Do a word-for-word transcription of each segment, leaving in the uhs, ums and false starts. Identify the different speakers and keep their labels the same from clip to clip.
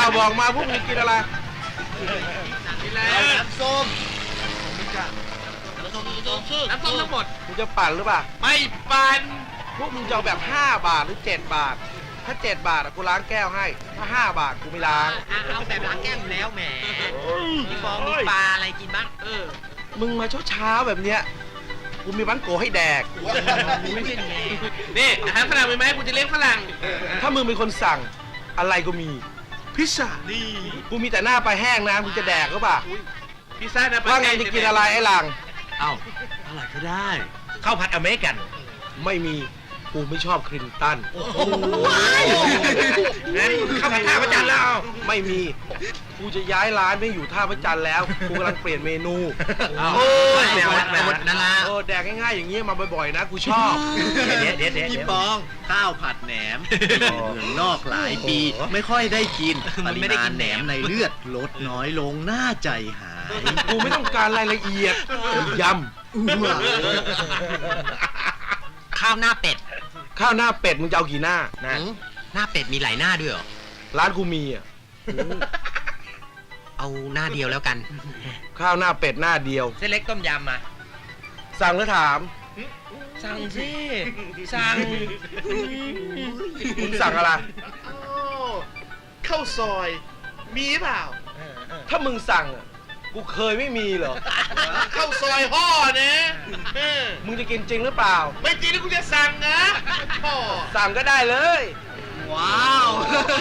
Speaker 1: บอกมาพวกมึงกินอะไร
Speaker 2: กินแล้วน้ำส้มน้ำส้มน้ำส้มทั้งหมด
Speaker 1: มึงจะปั่นหรือเปล่า
Speaker 2: ไม่ปั่น
Speaker 1: พวกมึงจะเอาแบบห้าบาทหรือเจ็ดบาทถ้าเจ็ดบาทกูล้างแก้วให้ถ้าห้าบาทกูไม่ล้าง
Speaker 3: เอาแบบล้างแก้วอยู่แล้วแหมพี่ฟองมีปลาอะไรกินบ้างเออ
Speaker 1: มึงมาเช้าเช้าแบบเนี้ยกูมีบังโกให้แดก
Speaker 3: ไม่เป็นไง
Speaker 2: นี่อาหารฝรั่งมีไหมกูจะเลี้ยงฝรั่ง
Speaker 1: ถ้ามึงเป็นคนสั่งอะไรก็มีพิซซ่านี่กูมีแต่หน้าปลาแห้งนะมึงจะแดกหรือเปล่า
Speaker 2: พิซซ่านะ
Speaker 1: ว่าไงจะกินอะไรไอ้หลัง
Speaker 4: เอ้าอะไรก็ได้ข้าวผัดอเมริกัน
Speaker 1: ไม่มีกูไม่ชอบคลินตัน
Speaker 4: โอ้โหงั้นข้าวผัดท่าพระจันทร์แล้ว
Speaker 1: ไม่มีกูจะย้ายร้านไม่อยู่ท่าพระจันทร์แล้วกูกำลังเปลี่ยนเมนู
Speaker 4: โอ้ยแนวแนวนั่นละ
Speaker 1: เออแดกง่ายๆอย่างเงี้ยมาบ่อยๆนะกูชอบ
Speaker 4: เดี๋ยวเดี๋ยวเดี๋ยว
Speaker 5: พี่ปองข้าวผัดแหนมเมืองนอกหลายปีไม่ค่อยได้กินปริมาณแหนมในเลือดลดน้อยลงน่าใจหาย
Speaker 1: กูไม่ต้องการรายละเอียดยำ
Speaker 3: ข้าวหน้าเป็ด
Speaker 1: ข้าวหน้าเป็ดมึงจะเอากี่หน้า
Speaker 3: นะหน้าเป็ดมีหลายหน้าด้วยเหรอ
Speaker 1: ร้านกูมีอ่ะ
Speaker 3: เอาหน้าเดียวแล้วกัน
Speaker 1: ข้าวหน้าเป็ดหน้าเดียว
Speaker 3: เส้นเล็กต้มยำมา
Speaker 1: สั่งแล้วถาม
Speaker 3: สั่งสิสั่ง
Speaker 1: มึงสั่งอะไร
Speaker 2: ข้าวซอยมีเปล่า
Speaker 1: ถ้ามึงสั่งอ่ะกูเคยไม่มีเหรอ
Speaker 2: ข้าวซอยห่อนะ
Speaker 1: มึงจะกินจริงหรือเปล่า
Speaker 2: ไม่จริงแล้วกูจะสั่งนะห่อ
Speaker 1: สั่งก็ได้เลย
Speaker 5: ว้าว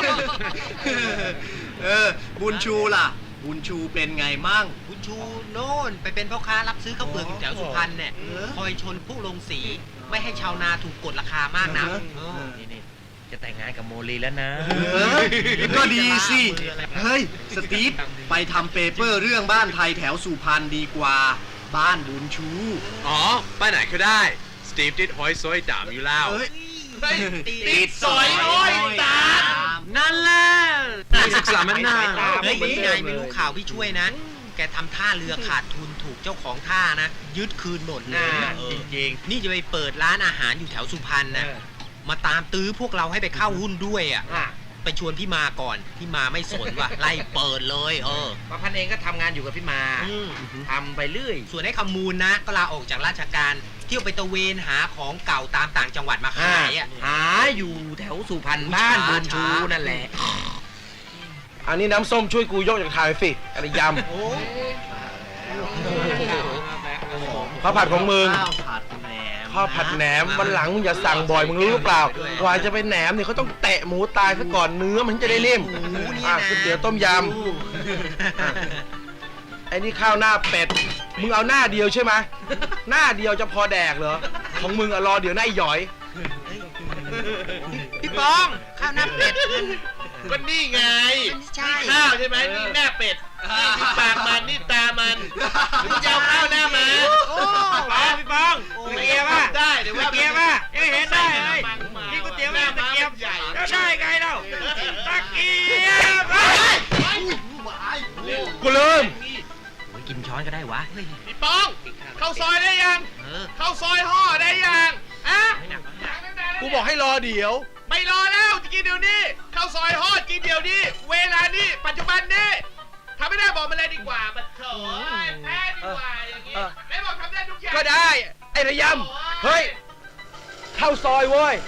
Speaker 5: เออบุญชูล่ะบุญชูเป็นไงมั่ง
Speaker 3: บุญชูโน่นไปเป็นพ่อค้ารับซื้อข้าวเปลือกอยู่แถวสุพรรณเนี่ยคอยชนผู้ลงสีไม่ให้ชาวนาถูกกดราคามากนะ
Speaker 4: นี่จะแต่งงานกับโมลีแล้วนะ
Speaker 5: ก็ดีสิเฮ้ยสตีฟไปทำเปเปอร์เรื่องบ้านไทยแถวสุพรรณดีกว่าบ้านบุญชู
Speaker 2: อ๋อบ้านไหนก็ได้สตีฟติดหอยซอยตามอยู่แล้วติดซอยหอยตาม
Speaker 3: นั่นแหละศึกษามันน่าเฮ้ยนี่ไงไม่รู้ข่าวพี่ช่วยนะแกทำท่าเรือขาดทุนถูกเจ้าของท่านะยึดคืนหมดเลย
Speaker 4: จริง
Speaker 3: ๆนี่จะไปเปิดร้านอาหารอยู่แถวสุพรรณนะมาตามตื้อพวกเราให้ไปเข้าหุ้นด้วยอ่ะไปชวนพี่มาก่อนพี่มาไม่สนว่ะไล่เปิดเลยเออ
Speaker 4: ประพันธ์เองก็ทำงานอยู่กับพี่มาทำไปเรื่อย
Speaker 3: ส่วนให้คำมูลนะก็ลาออกจากราชการเที่ยวไปตะเวนหาของเก่าตามต่างจังหวัดมาขายอ่ะ
Speaker 4: หาอยู่แถวสุพรรณบ้านบุญชูนั่นแหละ
Speaker 1: อันนี้น้ำส้มช่วยกูยกจากถ่ายสิอะไรยำข้าวผัดของมึง
Speaker 5: ข้าวผัดแหนม
Speaker 1: ข้าวผัดแหนมวันหลังมึงอย่าสั่งบ่อยมึงรู้หรือเปล่ากว่าจะเป็นแหนมเนี่ยเขาต้องแตะหมูตายซะก่อนเนื้อมันจะได้นิ่มอ่ะก๋วยเตี๋ยวต้มยำไอ้นี่ข้าวหน้าเป็ดมึงเอาหน้าเดียวใช่ไหมหน้าเดียวจะพอแดกเหรอของมึงอะรอเดี๋ยวหน้าหย่อย
Speaker 3: พี่ปองข้าวหน้าเป็ด
Speaker 2: ก็นี่ไงข้าวใช่ไหมนี่หน้าเป็ดนี่ปากมันนี่ตามันมึงจะเอาข้าวหน้ามา
Speaker 3: พี่ปองตะเกียบป่ะ
Speaker 2: ได้เดี๋ยวว่า
Speaker 3: ตะเกียบป่ะยังเห็นได้เลยกินก๋วยเตี๋ยวไม่ตะเกียบใหญ่แล้วใช่ไงเราตะเกียบ
Speaker 1: กูลืม
Speaker 3: กินช้อนก็ได้วะ
Speaker 2: พี่ปองเข้าซอยได้ยังเข้าซอยห่อได้ยังอะ
Speaker 1: กูบอกให้รอเดี๋ยว
Speaker 2: ไม่รอแล้วจะกินเดี๋ยวนี้ข้าวซอยฮอดกินเดี๋ยวนี้เวลานี้ปัจจุบันนี้ทำไม่ได้บอกมาเลยดีกว่าบัดเถอะแพ้ดีกว่าอย่างงี้ไม่บอกทำได้ทุกอย่าง
Speaker 1: ก็ได้ไอ้ระยำเฮ้ยเข้าซอยเว้ย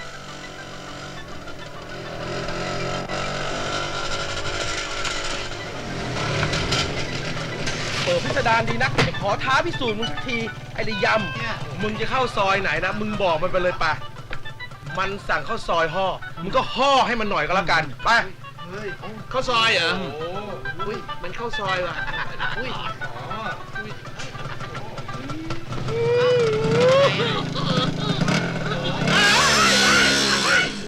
Speaker 1: เปิดพิสดารดีนักจะขอท้าพิสูจน์มึงสักทีไอ้ระยำมึงจะเข้าซอยไหนนะมึงบอกมันไปเลยป่ะมันสั่งข้าวซอยห่อมึงก็ห่อให้มันหน่อยก็แล้วกันไป
Speaker 2: ข้าวซอยเหรอโอ้ยมันข้าวซอยว่ะอุ้ย